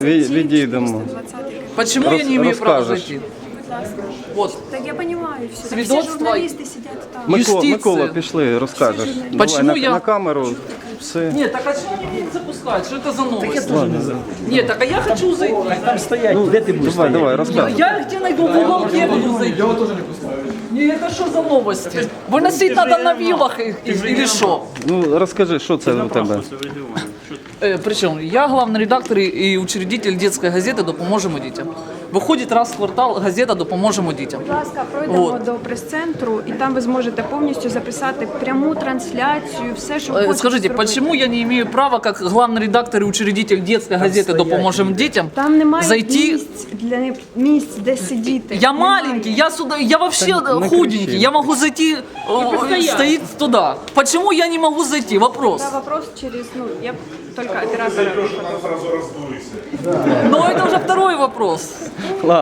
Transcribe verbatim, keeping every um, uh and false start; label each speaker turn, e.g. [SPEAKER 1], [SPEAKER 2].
[SPEAKER 1] Ві- Відійдемо.
[SPEAKER 2] Почему я не имею права
[SPEAKER 1] расскажешь.
[SPEAKER 2] зайти? Вот.
[SPEAKER 3] Так я понимаю все. Так
[SPEAKER 2] Свидетельство-
[SPEAKER 3] все журналисты сидят там.
[SPEAKER 1] Микола,
[SPEAKER 2] Юстиція.
[SPEAKER 1] Микола, пішли, розкажеш. Давай
[SPEAKER 2] Почему
[SPEAKER 1] на,
[SPEAKER 2] я-
[SPEAKER 1] на камеру. Все.
[SPEAKER 2] Нет, так а чего они меня не запускают? Что это за новость? Нет, так а я хочу зайти.
[SPEAKER 4] Там стоять, де ти будеш
[SPEAKER 1] Давай,
[SPEAKER 4] стояти?
[SPEAKER 1] давай,
[SPEAKER 2] Я,
[SPEAKER 1] розкажеш.
[SPEAKER 2] я где найду в уголке буду зайти? Я тоже не пускаю. Не, это что за новости? Выносить надо на вилах и- и- или что?
[SPEAKER 1] Ну, розкажи, що це у тебе?
[SPEAKER 2] Э, причем я главный редактор и учредитель детской газеты «Допоможемо дітям». Виходить раз в квартал газета «Допоможемо дітям».
[SPEAKER 3] Будь ласка, пройдемо
[SPEAKER 2] Вот.
[SPEAKER 3] до прес-центру, і там ви зможете повністю записати пряму трансляцію, все, що
[SPEAKER 2] Э,
[SPEAKER 3] хочете
[SPEAKER 2] Скажите,
[SPEAKER 3] зробити.
[SPEAKER 2] почему я не имею права, как главный редактор и учредитель детской газеты
[SPEAKER 4] стоять
[SPEAKER 2] «Допоможемо дітям»,
[SPEAKER 3] Там немає
[SPEAKER 2] зайти?
[SPEAKER 3] місць для місць, де сидіти.
[SPEAKER 2] Я
[SPEAKER 3] Немає.
[SPEAKER 2] маленький, я сюда, я вообще
[SPEAKER 1] не
[SPEAKER 2] худенький,
[SPEAKER 1] кричи.
[SPEAKER 2] я могу зайти, э, стоит туда. Почему я не могу зайти? Вопрос.
[SPEAKER 3] Це вопрос через, ну, я только оператора.
[SPEAKER 2] Но это уже второй вопрос.